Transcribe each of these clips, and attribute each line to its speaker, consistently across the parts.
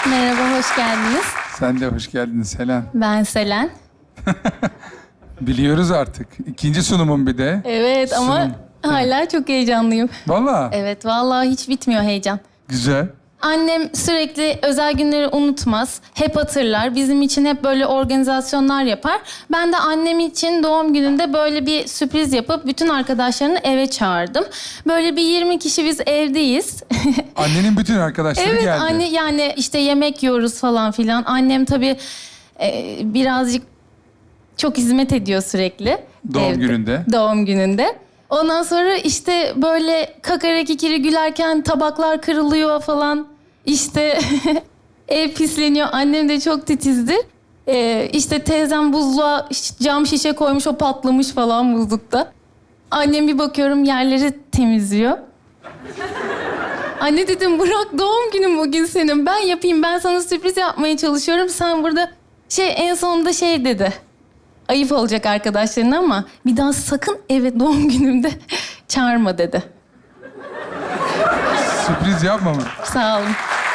Speaker 1: Merhaba, hoş geldiniz.
Speaker 2: Sen de hoş geldin Selen.
Speaker 1: Ben Selen.
Speaker 2: Biliyoruz artık. İkinci sunumum bir de.
Speaker 1: Evet ama
Speaker 2: Sunum.
Speaker 1: hala çok heyecanlıyım.
Speaker 2: Vallahi
Speaker 1: Evet, vallahi hiç bitmiyor heyecan.
Speaker 2: güzel.
Speaker 1: Annem sürekli özel günleri unutmaz. Hep hatırlar. Bizim için hep böyle organizasyonlar yapar. Ben de annem için doğum gününde böyle bir sürpriz yapıp bütün arkadaşlarını eve çağırdım. Böyle bir 20 kişi biz evdeyiz.
Speaker 2: Annenin bütün arkadaşları
Speaker 1: Evet,
Speaker 2: geldi.
Speaker 1: anne yani işte yemek yiyoruz falan filan. Annem tabii birazcık çok hizmet ediyor sürekli.
Speaker 2: Doğum
Speaker 1: evde.
Speaker 2: gününde.
Speaker 1: Doğum gününde. Ondan sonra işte böyle kakara kikiri gülerken tabaklar kırılıyor falan. İşte ev pisleniyor. Annem de çok titizdir. İşte teyzem buzluğa cam şişe koymuş, o patlamış falan buzlukta. Annem bir bakıyorum yerleri temizliyor. Anne dedim, bırak doğum günün bugün senin. Ben yapayım, ben sana sürpriz yapmaya çalışıyorum. Sen burada en sonunda dedi. Ayıp olacak arkadaşlarına ama bir daha sakın eve doğum günümde çağırma dedi.
Speaker 2: Sürpriz yapma mı?
Speaker 1: Sağ olun.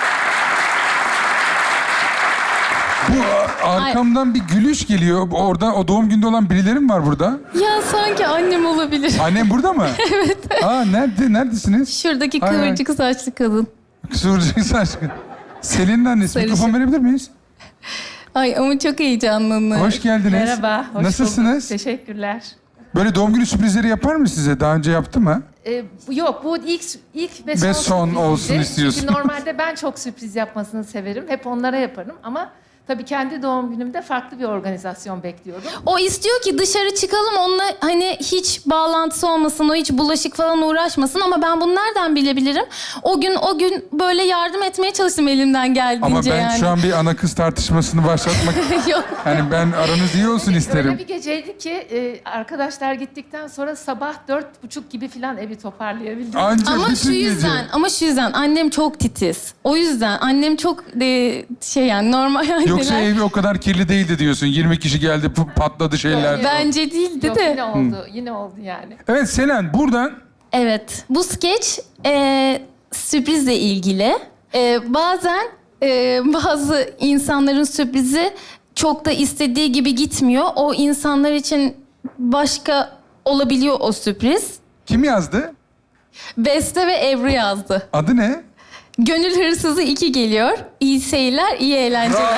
Speaker 2: Bu arkamdan bir gülüş geliyor. Orada o doğum günde olan birileri mi var burada?
Speaker 1: Ya sanki annem olabilir.
Speaker 2: Annem burada mı? Evet. Aa nerede? Neredesiniz?
Speaker 1: Şuradaki
Speaker 2: Ay, ay.
Speaker 1: kıvırcık saçlı kadın.
Speaker 2: Kıvırcık saçlı. Selin'in annesi.
Speaker 1: Sarışın.
Speaker 2: Mikrofon verebilir miyiz?
Speaker 1: Ay ama çok heyecanlandım.
Speaker 2: Hoş geldiniz.
Speaker 3: Merhaba, hoş
Speaker 2: Nasılsınız?
Speaker 3: bulduk. Teşekkürler.
Speaker 2: Böyle doğum günü sürprizleri yapar mı size? Daha önce yaptı mı?
Speaker 3: Yok, bu ilk ve son,
Speaker 2: Ve son
Speaker 3: sürpriziydi.
Speaker 2: olsun istiyorsun.
Speaker 3: Çünkü normalde ben çok sürpriz yapmasını severim. Hep onlara yaparım ama tabii kendi doğum günümde farklı bir organizasyon bekliyordum.
Speaker 1: O istiyor ki dışarı çıkalım, onunla hani hiç bağlantısı olmasın, o hiç bulaşık falan uğraşmasın ama ben bunu nereden bilebilirim? O gün böyle yardım etmeye çalıştım elimden geldiğince
Speaker 2: Ama ben
Speaker 1: yani.
Speaker 2: şu an bir ana kız tartışmasını başlatmak...
Speaker 1: Yok.
Speaker 2: Yani ben aranız iyi olsun isterim.
Speaker 3: Öyle bir geceydi ki arkadaşlar gittikten sonra sabah 4:30 gibi falan evi toparlayabildim.
Speaker 2: Anca
Speaker 1: Ama
Speaker 2: bütün
Speaker 1: şu yüzden annem çok titiz. O yüzden annem çok yani normal anneler.
Speaker 2: Yoksa ev o kadar kirli değildi diyorsun. 20 kişi geldi patladı şeyler.
Speaker 1: Bence değildi
Speaker 3: Yok,
Speaker 1: de.
Speaker 3: yine oldu yani.
Speaker 2: Evet Selen buradan
Speaker 1: Evet, bu skeç sürprizle ilgili. Bazen bazı insanların sürprizi çok da istediği gibi gitmiyor. O insanlar için başka olabiliyor o sürpriz.
Speaker 2: kim yazdı?
Speaker 1: Beste ve Ebru yazdı.
Speaker 2: Adı ne?
Speaker 1: Gönül Hırsızı 2 geliyor. İyi seyirler, iyi eğlenceler.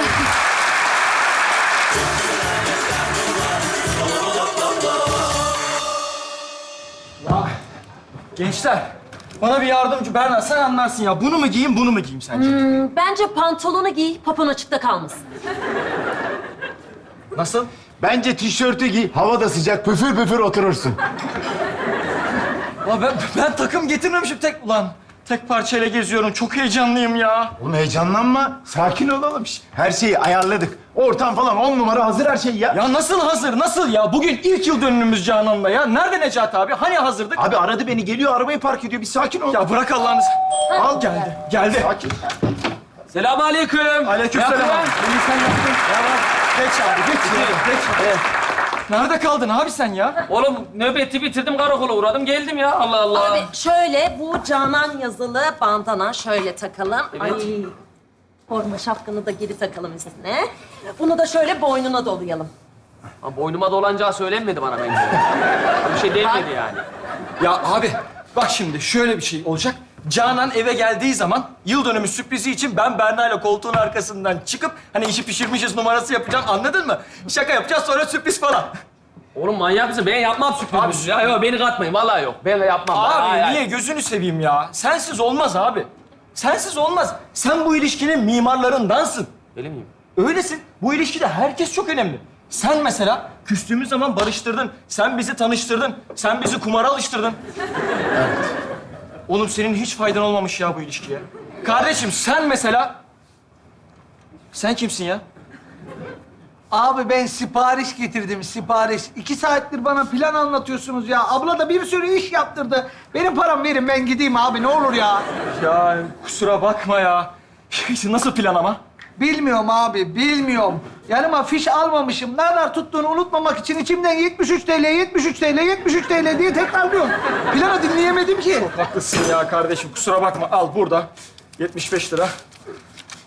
Speaker 4: Gençler, bana bir yardımcı. Berna sen anlarsın ya. Bunu mu giyeyim, bunu mu giyeyim sence?
Speaker 5: Bence pantolonu giy, popon açıkta kalmasın.
Speaker 4: Nasıl?
Speaker 6: Bence tişörtü giy, hava da sıcak, püfür püfür oturursun.
Speaker 4: Ulan ben takım getirmemişim ulan. Tek parçayla geziyorum. Çok heyecanlıyım ya.
Speaker 6: Oğlum heyecanlanma, sakin olalım. Her şeyi ayarladık. Ortam falan 10 numara hazır her şey ya.
Speaker 4: Ya nasıl hazır, nasıl ya? Bugün ilk yıl dönümümüz Canan'la ya. Nerede Necati abi? Hani hazırdık?
Speaker 6: Abi aradı beni, geliyor arabayı park ediyor. Bir sakin ol.
Speaker 4: Ya bırak Allah'ını.
Speaker 6: al.
Speaker 4: Geldi.
Speaker 6: Sakin.
Speaker 4: Selamünaleyküm. Aleykümselam. Beni sen yaptın. Ya bak, geç abi, geç. Evet. Nerede kaldın abi sen ya?
Speaker 7: Oğlum nöbeti bitirdim, karakola uğradım, geldim ya. Allah Allah.
Speaker 5: Abi şöyle, bu Canan yazılı bandana şöyle takalım.
Speaker 7: Evet.
Speaker 5: Ay, forma şapkanı da geri takalım üstüne. Bunu da şöyle boynuna dolayalım.
Speaker 7: Ha, boynuma dolanacağı söylenmedi bana bence. Bir şey denmedi yani.
Speaker 4: Ya abi bak şimdi şöyle bir şey olacak. Canan eve geldiği zaman yıl dönümü sürprizi için ben Berna'yla koltuğun arkasından çıkıp hani işi pişirmişiz numarası yapacağım, anladın mı? Şaka yapacağız sonra sürpriz falan.
Speaker 7: Oğlum manyak mısın? Ben yapmam sürpriz. Ya yok, beni katmayın. Vallahi yok. Ben yapmam.
Speaker 4: Abi
Speaker 7: Hayır, hayır.
Speaker 4: niye gözünü seveyim ya? Sensiz olmaz abi. Sensiz olmaz. Sen bu ilişkinin mimarlarındansın.
Speaker 7: Öyle miyim?
Speaker 4: Öylesin. Bu ilişkide herkes çok önemli. Sen mesela küstüğümüz zaman barıştırdın. Sen bizi tanıştırdın. Sen bizi kumara alıştırdın. Evet. Oğlum senin hiç faydan olmamış ya bu ilişkiye. Kardeşim sen mesela... Sen kimsin ya?
Speaker 8: Abi ben sipariş getirdim, sipariş. 2 saattir bana plan anlatıyorsunuz ya. Abla da bir sürü iş yaptırdı. Benim param verin, ben gideyim abi, ne olur ya.
Speaker 4: Ya kusura bakma ya. Nasıl plan ama?
Speaker 8: Bilmiyorum abi, bilmiyorum. Yanıma fiş almamışım. Ne kadar tuttuğunu unutmamak için içimden 73 TL, 73 TL, 73 TL diye tekrarlıyorum. Planı dinleyemedim ki.
Speaker 4: Haklısın ya kardeşim, kusura bakma. Al burada. 75 lira.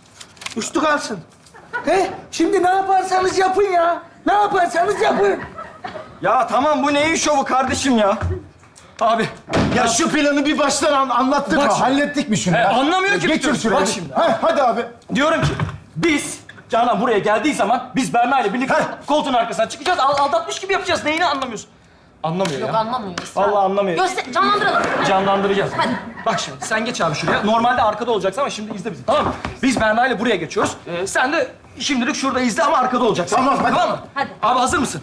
Speaker 8: Uçtu kalsın. He? Şimdi ne yaparsanız yapın ya. Ne yaparsanız yapın.
Speaker 4: Ya tamam bu neyin şovu kardeşim ya? Abi
Speaker 6: Ya şu planı bir baştan anlattık
Speaker 4: Bak
Speaker 6: mı?
Speaker 4: şimdi.
Speaker 6: Hallettik mi şunu? ya?
Speaker 4: anlamıyor ki bir
Speaker 6: Geçir
Speaker 4: türlü.
Speaker 6: şuraya.
Speaker 4: Bak şimdi.
Speaker 6: Hadi abi.
Speaker 4: diyorum ki biz Canan buraya geldiği zaman biz Berna ile birlikte koltuğun arkasına çıkacağız. Aldatmış gibi yapacağız. Neyini anlamıyorsun? Anlamıyor
Speaker 5: Yok
Speaker 4: ya.
Speaker 5: anlamıyoruz.
Speaker 4: Vallahi anlamıyor.
Speaker 5: Canlandıralım.
Speaker 4: Canlandıracağız. Bak şimdi sen geç abi şuraya. Normalde arkada olacaksın ama şimdi izle bizi. Tamam mı? Biz Berna ile buraya geçiyoruz. Sen de şimdilik şurada izle ama arkada olacaksın.
Speaker 6: Tamam, hadi.
Speaker 4: Tamam mı?
Speaker 5: Hadi.
Speaker 4: Abi hazır mısın?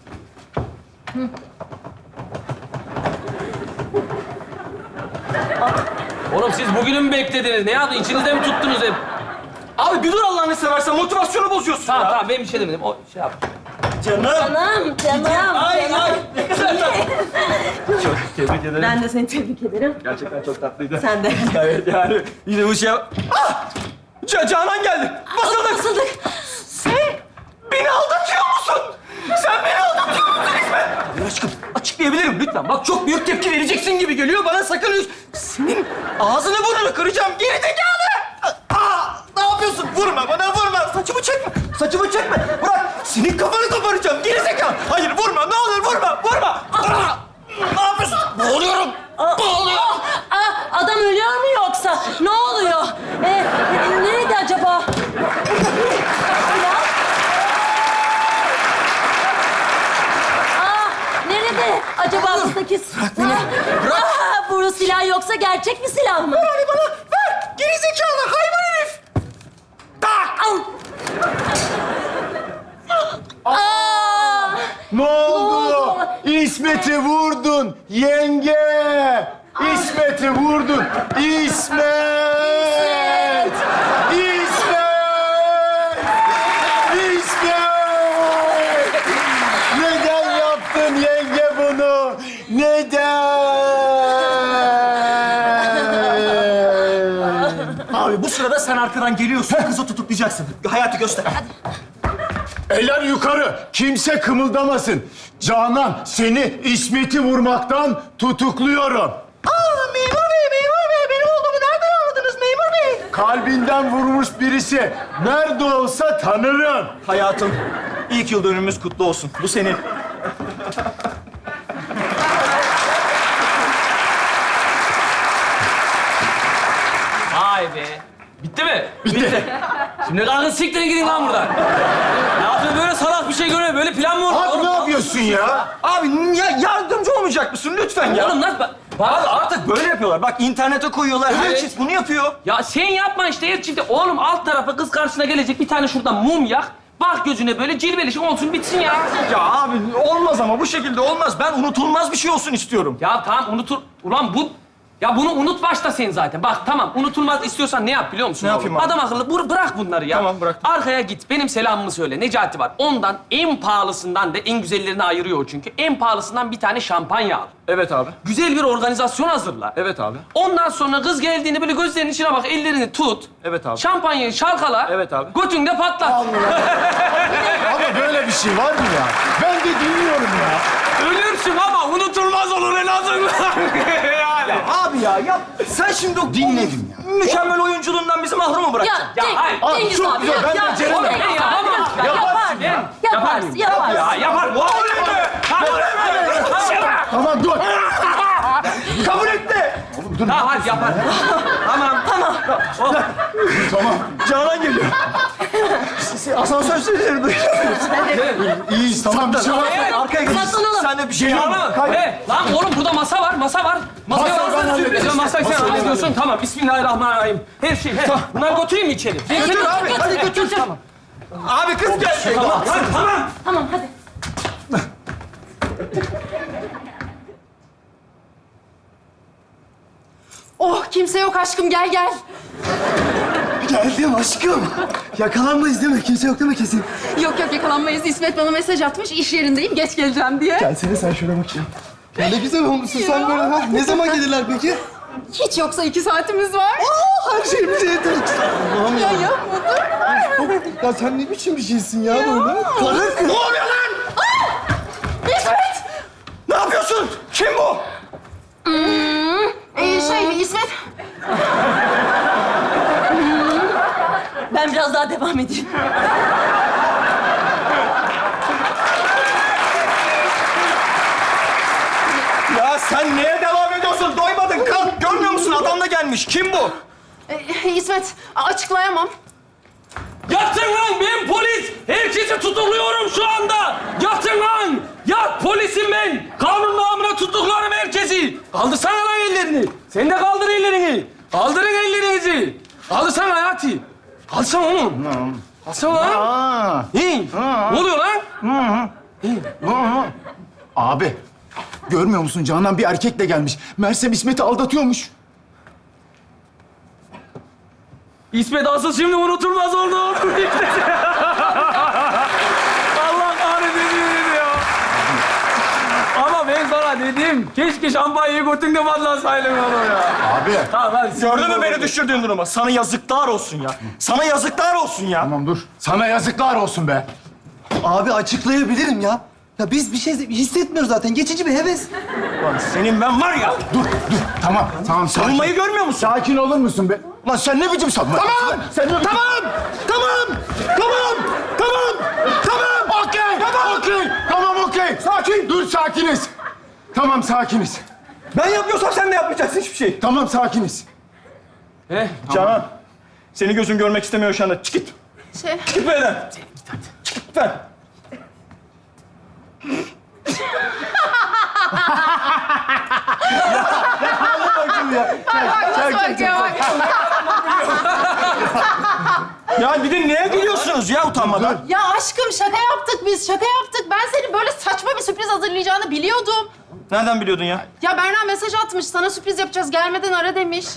Speaker 7: Oğlum siz bugünü mü beklediniz? Ne yaptın? İçinizde mi tuttunuz hep?
Speaker 4: Abi bir dur Allah'ını seversen motivasyonu bozuyorsun
Speaker 7: Tamam
Speaker 4: ya.
Speaker 7: tamam ben bir şey demedim. O şey yap.
Speaker 4: Canım.
Speaker 5: Canım.
Speaker 4: Ay ay. Ne kadar tatlı. Çok tebrik ederim.
Speaker 5: Ben de seni tebrik ederim.
Speaker 4: Gerçekten çok tatlıydı.
Speaker 5: Sen de.
Speaker 4: Evet yani yine bu şey... Ah! Canan geldi. Basıldık.
Speaker 5: Basıldık.
Speaker 4: Sen beni aldatıyor musun? Sen beni aldatıyor musun İsmet? Ya aşkım açıklayabilirim lütfen. Bak çok büyük tepki vereceksin gibi geliyor. Bana sakın... Senin ağzını burnunu kıracağım. Geri zekalı. Ne yapıyorsun? Vurma bana vurma. Saçımı çekme. Saçımı çekme. Bırak. Senin kafanı koparacağım. Geri zekalı. Hayır vurma. Ne olur vurma. Vurma. Ne yapıyorsun? Boğuluyorum. Boğuluyorum.
Speaker 5: Adam ölüyor mu yoksa? Ne oluyor? Nerede acaba? Nerede acaba buradaki... Bırak beni. Bırak. Bu silah yoksa gerçek bir silah mı?
Speaker 4: Ver bana. Ver. Geri zekalı hayvan herif.
Speaker 5: Al.
Speaker 6: Ne oldu?
Speaker 5: oldu?
Speaker 6: İsmet'i vurdun yenge. İsmet'i vurdun. İsmet. İsmet. İsmet. Neden yaptın yenge bunu? Neden?
Speaker 4: Abi bu sırada sen arkadan geliyorsun. Kızı tutuklayacaksın. Hayatı göster.
Speaker 6: Eller yukarı. Kimse kımıldamasın. Canan seni İsmet'i vurmaktan tutukluyorum.
Speaker 4: Memur bey, benim olduğumu nereden anladınız memur bey?
Speaker 6: Kalbinden vurmuş birisi. Nerede olsa tanırım.
Speaker 4: Hayatım, ilk yıl dönümümüz kutlu olsun. Bu senin.
Speaker 7: Vay be. Bitti mi? Bitti. Şimdi kalkın siktirin gidin lan buradan. Ne yapıyorsun böyle salak bir şey görüyor. Böyle plan mı olur?
Speaker 6: Abi
Speaker 7: Oğlum,
Speaker 6: ne yapıyorsun ya?
Speaker 4: Abi ya yardımcı olmayacak mısın lütfen ya?
Speaker 7: Oğlum lan
Speaker 4: Abi artık böyle yapıyorlar. Bak internete koyuyorlar. Her
Speaker 7: Evet.
Speaker 4: çift bunu yapıyor.
Speaker 7: Ya sen yapma işte her çifte. Oğlum alt tarafa kız karşısına gelecek bir tane şuradan mum yak. Bak gözüne böyle cilveleşik olsun bitsin ya.
Speaker 4: Ya abi olmaz ama bu şekilde olmaz. Ben unutulmaz bir şey olsun istiyorum.
Speaker 7: Ya tamam unutur. Ulan bu... Ya bunu unut başta sen zaten. Bak tamam unutulmaz istiyorsan ne yap biliyor musun?
Speaker 4: Ne
Speaker 7: oğlum?
Speaker 4: yapayım abi?
Speaker 7: Adam akıllı bırak bunları ya.
Speaker 4: Tamam, bıraktım.
Speaker 7: Arkaya git benim selamımı söyle. Necati var. Ondan en pahalısından da en güzellerini ayırıyor o çünkü. En pahalısından bir tane şampanya al.
Speaker 4: Evet abi.
Speaker 7: Güzel bir organizasyon hazırla.
Speaker 4: Evet abi.
Speaker 7: Ondan sonra kız geldiğinde böyle gözlerinin içine bak, ellerini tut.
Speaker 4: Evet abi.
Speaker 7: Şampanyayı çalkala.
Speaker 4: Evet abi.
Speaker 7: Götünde patlat.
Speaker 6: Ama böyle bir şey var mı ya? Ben de dinliyorum ya.
Speaker 7: Ölürsün ama unutulmaz olur en azından. Yani.
Speaker 4: Abi ya sen şimdi o
Speaker 6: Dinledim ya.
Speaker 4: mükemmel oyunculuğundan bizi mahrum mu bırakacaksın?
Speaker 5: Ya,
Speaker 7: hayır.
Speaker 5: Cengiz
Speaker 6: çok
Speaker 5: abi.
Speaker 6: güzel, ben
Speaker 5: ya,
Speaker 6: becerim.
Speaker 5: Cengiz
Speaker 7: Ben
Speaker 5: abi,
Speaker 7: yapamam.
Speaker 5: lütfen,
Speaker 7: Yaparsın.
Speaker 5: Yaparsın. Yaparsın.
Speaker 7: Ya yapar. Bu
Speaker 6: Tamam dur.
Speaker 4: Kabul etti.
Speaker 7: Tamam hadi yapar. Tamam.
Speaker 6: Tamam.
Speaker 4: Canan geliyor. Asansör sesleri duyuyor.
Speaker 6: İyiyiz tamam bir şey var.
Speaker 4: Arkaya geç.
Speaker 5: Saklanalım.
Speaker 4: Sen de bir şey
Speaker 7: Tamam. Lan oğlum burada masa var. Masa var.
Speaker 6: Masayı ben halledeceğim.
Speaker 7: Masayı sen
Speaker 6: Masayı ben
Speaker 7: hallediyorsun. Tamam. Bismillahirrahmanirrahim. Her şey. Bunları götüreyim mi içeri?
Speaker 4: Götür abi.
Speaker 5: Götür.
Speaker 4: Tamam. Abi kız gel.
Speaker 7: Tamam. Tamam.
Speaker 5: Tamam hadi.
Speaker 9: Oh kimse yok aşkım gel gel.
Speaker 6: Geldim aşkım. Yakalanmayız değil mi? Kimse yok değil mi kesin?
Speaker 9: Yok yok yakalanmayız. İsmet bana mesaj atmış iş yerindeyim geç geleceğim diye.
Speaker 6: Gelsene sen şöyle bakayım. Ya ne güzel olmuşsun sen böyle ha. Ne zaman gelirler peki?
Speaker 9: Hiç yoksa 2 saatimiz var.
Speaker 6: Her şeyimize yeter. Allah'ım
Speaker 9: Ya yapmadım.
Speaker 6: Ya sen ne biçim bir şeysin ya böyle? Karın kız.
Speaker 4: Ne oluyor lan?
Speaker 9: İsmet!
Speaker 4: Ne yapıyorsun? Kim bu?
Speaker 9: İsmet.
Speaker 5: Ben biraz daha devam edeyim.
Speaker 4: Ya sen neye devam ediyorsun? Doymadın. Kalk. Görmüyor musun? Adam da gelmiş. Kim bu?
Speaker 9: İsmet, açıklayamam.
Speaker 7: Yatın lan ben polis. Herkesi tutukluyorum şu anda. Yatın lan. Yat polisim ben. Kanun namına tutuklarım herkesi. Kaldırsana lan ellerini. Sen de kaldır ellerini. Kaldırın ellerinizi. Kaldırsana Hayati. Kaldırsana oğlum. Kaldırsana lan.
Speaker 6: Aa.
Speaker 7: İyi. Ne oluyor lan?
Speaker 6: Abi, görmüyor musun? Canan bir erkekle gelmiş. Mersem İsmet'i aldatıyormuş.
Speaker 7: İsmet asıl şimdi unutulmaz oldu. Allah kahretsin ya. Ama ben sana dedim. Keşke şampanyayı götünde patlasaydın onu ya.
Speaker 6: Abi.
Speaker 7: Tamam hadi.
Speaker 4: Gördün mü beni düşürdüğün duruma? Sana yazıklar olsun ya. Sana yazıklar olsun ya.
Speaker 6: Tamam dur. Sana yazıklar olsun be.
Speaker 10: Abi açıklayabilirim ya. Ya biz bir şey hissetmiyoruz zaten. Geçici bir heves.
Speaker 4: Lan senin ben var ya.
Speaker 6: Dur. Tamam, sakin.
Speaker 4: Savunmayı görmüyor musun?
Speaker 6: Sakin olur musun be? Lan sen ne biçim savunma? Tamam! Tamam, okey. Sakin. Dur, sakiniz. Tamam, sakiniz.
Speaker 4: Ben yapıyorsam sen de yapmayacaksın hiçbir şey.
Speaker 6: Tamam, sakiniz.
Speaker 4: Canan, seni gözüm görmek istemiyor şu anda. Çık git. Git benden. Çık git ben. Ya bir de neye gülüyorsunuz ya utanmadan?
Speaker 9: Ya aşkım şaka yaptık biz, şaka yaptık. Ben senin böyle saçma bir sürpriz hazırlayacağını biliyordum.
Speaker 4: Nereden biliyordun ya?
Speaker 9: Ya Berna mesaj atmış, sana sürpriz yapacağız, gelmeden ara demiş.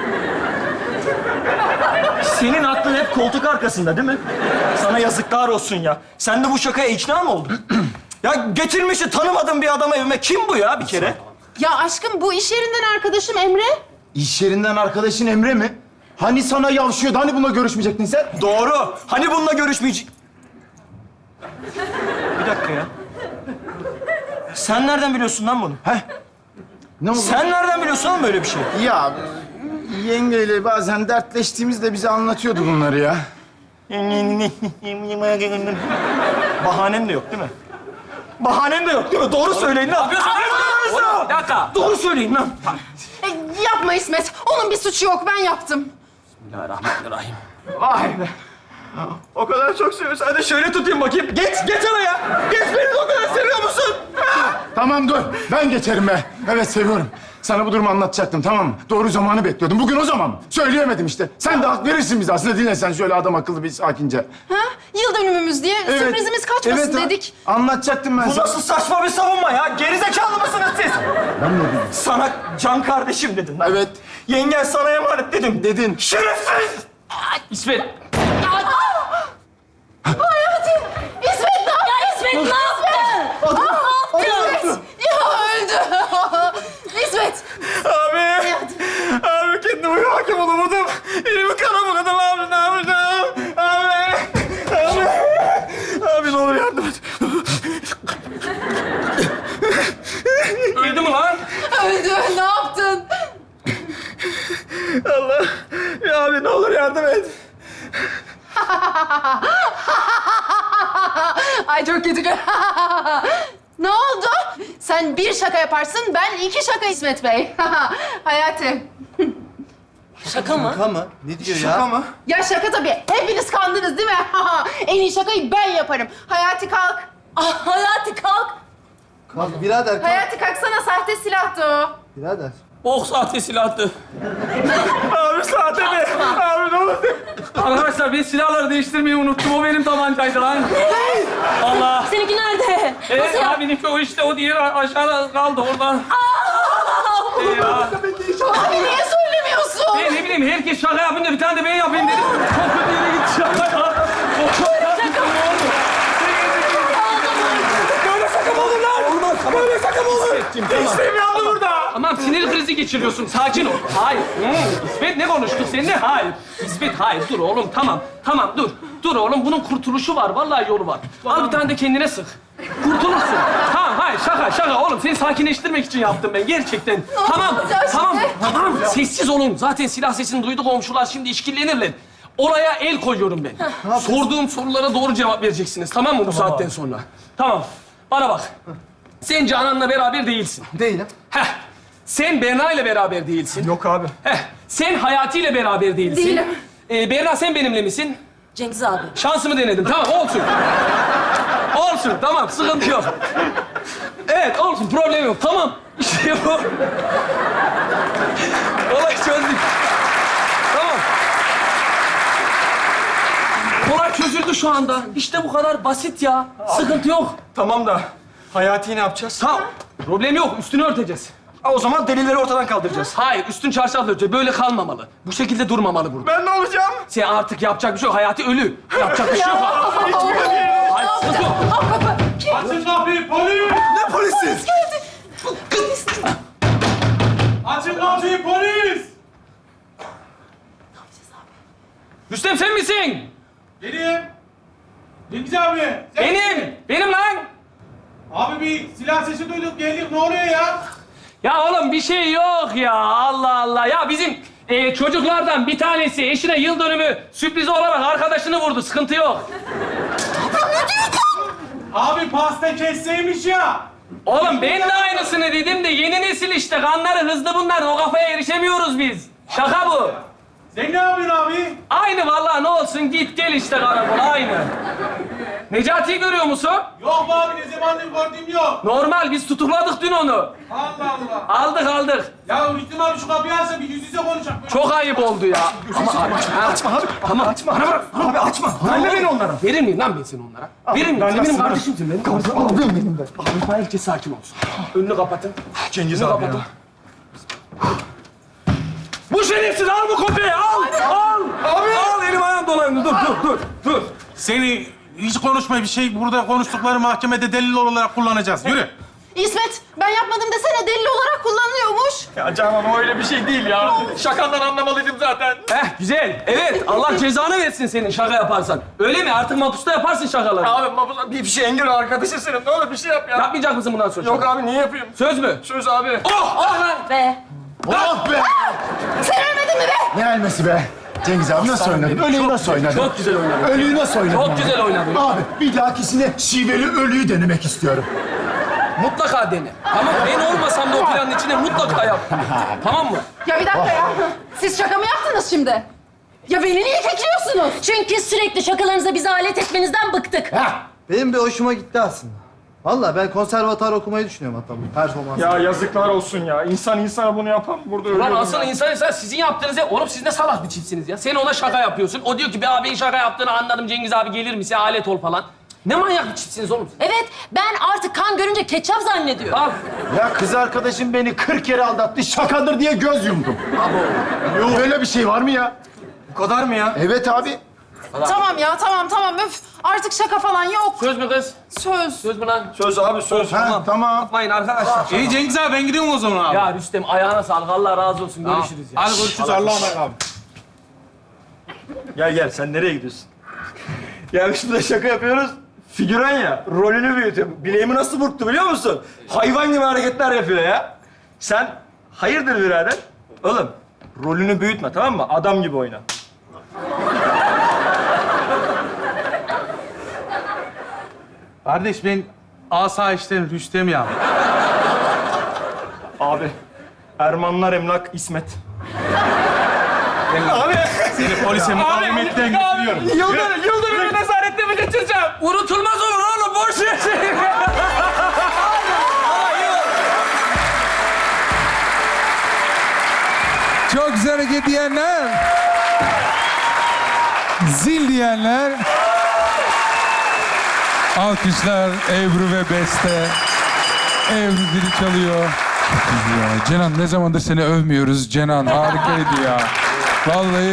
Speaker 4: Senin aklın hep koltuk arkasında değil mi? Sana yazıklar olsun ya. Sen de bu şakaya ikna mı oldun? Ya getirmişi tanımadığım bir adamı evime. Kim bu ya bir kere?
Speaker 9: Ya aşkım bu iş yerinden arkadaşım Emre.
Speaker 6: İş yerinden arkadaşın Emre mi? Hani sana yavşıyordu, hani bununla görüşmeyecektin sen?
Speaker 4: Doğru. Hani bununla görüşmeyecek... Bir dakika ya. Sen nereden biliyorsun lan bunu?
Speaker 6: Ne oldu?
Speaker 4: Sen nereden biliyorsun lan böyle bir şey?
Speaker 6: Ya yengeyle bazen dertleştiğimizde bize anlatıyordu bunları ya.
Speaker 4: Bahanen de yok değil mi? Bahanen de yok değil mi? Doğru söyleyin lan.
Speaker 7: Oğlum, bir dakika.
Speaker 4: Doğru söyleyin lan.
Speaker 9: Yapma İsmet, onun bir suçu yok, ben yaptım.
Speaker 7: Bismillahirrahmanirrahim.
Speaker 4: Vay be. O kadar çok seviyorsun. Hadi şöyle tutayım bakayım. Geç oraya. Geç beni de o kadar seviyor musun?
Speaker 6: Tamam dur, ben geçerim be. Evet, seviyorum. Sana bu durumu anlatacaktım, tamam mı? Doğru zamanı bekliyordum. Bugün o zaman. Söyleyemedim işte. Sen de hak verirsin bize aslında. Dinle sen şöyle adam akıllı bir sakince.
Speaker 9: Ha? Yıl dönümümüz diye sürprizimiz kaçmasın
Speaker 6: Evet,
Speaker 9: dedik.
Speaker 6: Anlatacaktım ben
Speaker 4: Bu
Speaker 6: sana.
Speaker 4: nasıl saçma bir savunma ya? Gerizekalı mısınız siz?
Speaker 6: Ben ne dedim?
Speaker 4: Sana can kardeşim dedin lan.
Speaker 6: Evet.
Speaker 4: Yengen sana emanet dedim.
Speaker 6: Dedin.
Speaker 4: Şerefsiz!
Speaker 7: İsmet.
Speaker 5: İsmet ne yaptın? Ya İsmet ne yaptın?
Speaker 9: İsmet! Ya öldü! İsmet!
Speaker 4: Abi kendime hakim olamadım. Elimi kana buladım abi. Ne yapacağım? Abi ne olur yardım et.
Speaker 7: Öldü mü lan?
Speaker 9: Öldü, ne yaptın?
Speaker 4: Allah. Ya abi ne olur yardım et.
Speaker 9: Ay çok kötü. Ne oldu? Sen bir şaka yaparsın, ben iki şaka İsmet Bey. Hayati.
Speaker 5: Şaka mı?
Speaker 10: Şaka mı? Ne diyor
Speaker 4: Şaka
Speaker 10: ya?
Speaker 4: mı?
Speaker 9: Ya şaka tabii. Hepiniz kandınız değil mi? En iyi şakayı ben yaparım. Hayati kalk.
Speaker 5: Ah Hayati kalk.
Speaker 10: Kalk birader kalk.
Speaker 9: Hayati kalksana, sahte silahtı o.
Speaker 10: Birader.
Speaker 7: Bok sahte silahtı.
Speaker 4: Abi sahte mi? Abi ne olur.
Speaker 7: Arkadaşlar ben silahları değiştirmeyi unuttum. O benim tabancaydı lan. Allah.
Speaker 5: Seninki nerede?
Speaker 7: Evet abinin o işte o diğeri aşağıda kaldı oradan.
Speaker 9: Abi niye söylemiyorsun?
Speaker 7: Ben ne bileyim herkes şaka yapınca bir tane de ben yapayım dedim. Çok kötü yere gitti şaka ya.
Speaker 4: Böyle şaka mı olur lan? Olmaz. Böyle şaka mı olur? İşte bir anda burada.
Speaker 7: Tamam sinir krizi geçiriyorsun. Sakin ol. Hayır. İsmet ne konuştuk seninle? Hayır. İsmet hayır. Dur oğlum tamam. Tamam dur. Dur oğlum bunun kurtuluşu var. Vallahi yolu var. Al bir tane de kendine sık. Kurtulursun. Tamam hayır şaka oğlum. Seni sakinleştirmek için yaptım ben gerçekten. Tamam.
Speaker 9: yapacağız
Speaker 7: Tamam.
Speaker 9: şimdi?
Speaker 7: Tamam. Sessiz olun. Zaten silah sesini duydu komşular şimdi işkillenirler. olaya el koyuyorum ben. Sorduğum sorulara doğru cevap vereceksiniz, tamam mı bu saatten sonra? Tamam. Bana bak. Sen Canan'la beraber değilsin.
Speaker 10: Değilim.
Speaker 7: Heh. Sen Berna ile beraber değilsin.
Speaker 4: Yok abi.
Speaker 7: Heh. Sen Hayati ile beraber değilsin.
Speaker 9: Değilim.
Speaker 7: Berna sen benimle misin?
Speaker 5: Cengiz abi.
Speaker 7: Şansımı denedim. Tamam, olsun. Olsun, tamam. Sıkıntı yok. Evet, olsun. Problem yok. Tamam. İşte bu. Olay çözdük. Tamam. Olay çözüldü şu anda. İşte bu kadar basit ya. Sıkıntı yok.
Speaker 4: Tamam da Hayati'yi ne yapacağız?
Speaker 7: Tamam. Problem yok. Üstünü örteceğiz.
Speaker 4: Ha, o zaman delilleri ortadan kaldıracağız.
Speaker 7: Hayır, üstün çarşafla örteceğiz. Böyle kalmamalı. Bu şekilde durmamalı burada.
Speaker 4: Ben ne olacağım?
Speaker 7: Sen artık yapacak bir şey yok. Hayati ölü. Yapacak bir şey yok. Hayır, sıkıntı yok.
Speaker 11: Açın kapıyı polis!
Speaker 10: Ne polisiz?
Speaker 11: Açın kapıyı polis!
Speaker 7: Rüstem sen misin?
Speaker 11: Benim. Cengiz abi. sen-
Speaker 7: Benim. Benim lan.
Speaker 11: Abi bir silah sesi duyduk geldik ne oluyor ya?
Speaker 7: Ya oğlum bir şey yok ya. Allah Allah. Ya bizim çocuklardan bir tanesi eşine yıl dönümü sürprizi olarak arkadaşını vurdu. Sıkıntı yok.
Speaker 11: Abi pasta kesseymiş ya.
Speaker 7: Oğlum ben de aynısını dedim de yeni nesil işte. Kanları hızlı bunlar. O kafaya erişemiyoruz biz. Şaka bu.
Speaker 11: Sen ne yapıyorsun abi?
Speaker 7: Aynı vallahi ne olsun git gel işte karakol aynı. Necati'yi görüyor musun?
Speaker 11: Yok be abi ne zamandır gördüğüm yok.
Speaker 7: Normal biz tutukladık dün onu.
Speaker 11: Allah Allah.
Speaker 7: Aldık.
Speaker 11: Ya Rüstem abi şu kapıyı açsa bir yüz yüze konuşalım.
Speaker 7: Çok ayıp oldu ya.
Speaker 4: Açma abi. Tamam. Açma. Bana bırak. Abi açma. Ben de beni onlara.
Speaker 7: Verir miyim lan ben seni onlara? Verir miyim? Sen benim kardeşimsin benim.
Speaker 4: Abim benim de.
Speaker 7: Abi herkes sakin olsun. Önünü kapatın.
Speaker 4: Cengiz
Speaker 7: Önünü
Speaker 4: abi ya.
Speaker 7: kapatın. Bu şerefsiz al bu kopyayı al. Al. Abi. Al elim ayağım dolandı. Dur.
Speaker 11: Seni hiç konuşma bir şey. Burada konuştukları mahkemede delil olarak kullanacağız. Yürü.
Speaker 9: İsmet, ben yapmadım desene delil olarak kullanılıyormuş.
Speaker 4: Ya Canan o öyle bir şey değil ya. Şakandan anlamalıydım zaten.
Speaker 7: Güzel. Evet Allah cezanı versin senin şaka yaparsan. Öyle mi? Artık mapusta yaparsın şakaları.
Speaker 4: Abi bir şey engel arkadaşım senin. Ne olur bir şey yap ya.
Speaker 7: Yapmayacak mısın bundan sonra?
Speaker 4: Yok abi niye yapayım?
Speaker 7: Söz mü?
Speaker 4: Söz abi.
Speaker 7: Oh lan.
Speaker 5: Ve
Speaker 6: Oh be!
Speaker 9: Sen ölmedin mi be?
Speaker 6: Ne elmesi be? Cengiz abi nasıl oynadın? Ölüyü nasıl oynadın?
Speaker 7: Çok güzel oynadın.
Speaker 6: Ölüyü nasıl oynadın?
Speaker 7: Çok güzel oynadın.
Speaker 6: Abi bir dahakisine şiveli ölüyü denemek istiyorum.
Speaker 7: Mutlaka dene. Tamam ben olmasam da o planın içine mutlaka yap. Tamam mı?
Speaker 9: Ya bir dakika ya. Siz şaka mı yaptınız şimdi? Ya beni niye kekliyorsunuz?
Speaker 5: çünkü sürekli şakalarınıza bizi alet etmenizden bıktık.
Speaker 10: Benim bir hoşuma gitti aslında. Vallahi ben konservatuar okumayı düşünüyorum hatta bu performans.
Speaker 4: Ya yazıklar olsun ya. İnsan insana bunu yapan burada ölüyor.
Speaker 7: Ulan asıl insan sizin yaptığınız ya. Oğlum siz ne salak bir çiftsiniz ya. Sen ona şaka yapıyorsun. O diyor ki be abi şaka yaptığını anladım Cengiz abi gelir misin alet ol falan. Ne manyak bir çiftsiniz oğlum.
Speaker 5: Evet, ben artık kan görünce ketçap zannediyorum.
Speaker 7: Al.
Speaker 6: Ya kız arkadaşım beni 40 kere aldattı, şakadır diye göz yumdum. Yok. Böyle bir şey var mı ya?
Speaker 4: Bu kadar mı ya?
Speaker 6: Evet abi.
Speaker 9: Tamam ya, tamam. Öf. Artık şaka falan yok.
Speaker 7: Söz mü kız?
Speaker 9: Söz.
Speaker 7: Söz mü lan?
Speaker 4: Söz abi söz.
Speaker 6: Ha, tamam.
Speaker 7: Yapmayın arkadaşlar.
Speaker 11: İyi Cengiz abi ben gidiyorum o zaman abi.
Speaker 7: Ya Rüstem ayağına sağlık. Allah razı olsun. Görüşürüz ya.
Speaker 11: Hadi görüşürüz Allah'a emanet abi.
Speaker 4: Gel sen nereye gidiyorsun? Ya biz burada şaka yapıyoruz. Figüran ya, rolünü büyütüyor. Bileğimi nasıl burktu biliyor musun? Hayvan gibi hareketler yapıyor ya. Sen hayırdır birader? Oğlum, rolünü büyütme tamam mı? Adam gibi oyna.
Speaker 11: Kardeş ben asayişten Rüstem ya.
Speaker 4: Abi, Ermanlar Emlak İsmet. Abi!
Speaker 11: Seni polise mukavemetten götürüyorum.
Speaker 7: Yıldırım'ı nezarette mi geçireceğim? Unutulmaz olur oğlum. Boş ver seni.
Speaker 2: Çok güzel hareket diyenler. Zil diyenler. Alkışlar Ebru ve Beste. Ebru zili çalıyor. Çok iyi ya. Cenan ne zamandır seni övmüyoruz. Cenan harikaydı ya. Vallahi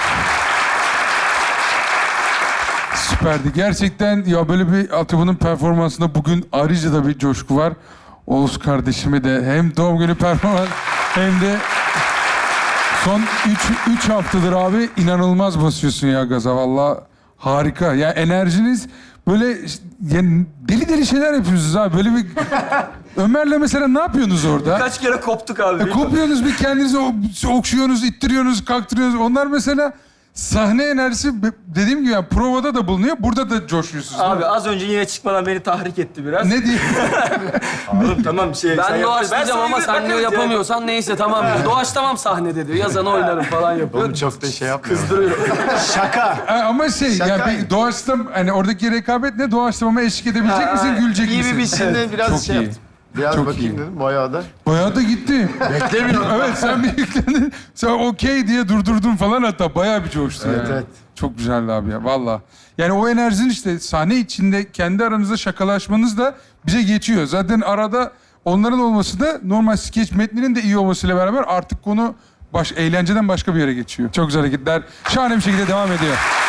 Speaker 2: süperdi. Gerçekten ya böyle bir altyapının performansında bugün ayrıca da bir coşku var. Oğuz kardeşime de hem doğum günü performans hem de son 3 haftadır abi inanılmaz basıyorsun ya gaza. Vallahi harika. Ya enerjiniz böyle yani deli şeyler yapıyorsunuz abi. Böyle bir Ömer'le mesela ne yapıyorsunuz orada?
Speaker 4: Kaç kere koptuk abi.
Speaker 2: Kopuyorsunuz bir kendinizi okşuyorsunuz, ittiriyorsunuz, kaktırıyorsunuz. Onlar mesela sahne enerjisi dediğim gibi yani provada da bulunuyor. Burada da coşuyorsunuz.
Speaker 4: Abi az önce yine çıkmadan beni tahrik etti biraz.
Speaker 2: Ne diyeyim?
Speaker 4: Oğlum tamam sen
Speaker 7: Ben
Speaker 4: yaparsın.
Speaker 7: doğaçlayacağım ama sen diyor yapamıyorsan neyse tamam diyor. Doğaçlamam sahnede diyor. Yazanı oynarım falan yapıyor.
Speaker 6: Oğlum çok da şey yapmıyorum.
Speaker 7: Kızdırıyor.
Speaker 6: Şaka.
Speaker 2: Ama şey
Speaker 6: Şaka.
Speaker 2: yani bir doğaçlam hani oradaki rekabet ne doğaçlamama eşlik edebilecek misin, gülecek
Speaker 6: İyi
Speaker 2: misin?
Speaker 6: bir biçimde biraz
Speaker 2: Çok
Speaker 6: şey
Speaker 2: iyi.
Speaker 6: yaptım. Biraz
Speaker 2: Çok
Speaker 6: bakayım
Speaker 2: iyi.
Speaker 6: dedim bayağı da.
Speaker 2: Bayağı da gitti.
Speaker 6: Beklemiyorum.
Speaker 2: Evet sen bir yüklendin. Sen okey diye durdurdun falan hatta bayağı bir coştu
Speaker 6: Evet,
Speaker 2: yani.
Speaker 6: evet.
Speaker 2: Çok güzeldi abi ya valla. Yani o enerjin işte sahne içinde kendi aranızda şakalaşmanız da bize geçiyor. Zaten arada onların olması da normal skeç metninin de iyi olmasıyla beraber artık konu eğlenceden başka bir yere geçiyor. Çok güzel hareketler. Şahane bir şekilde devam ediyor.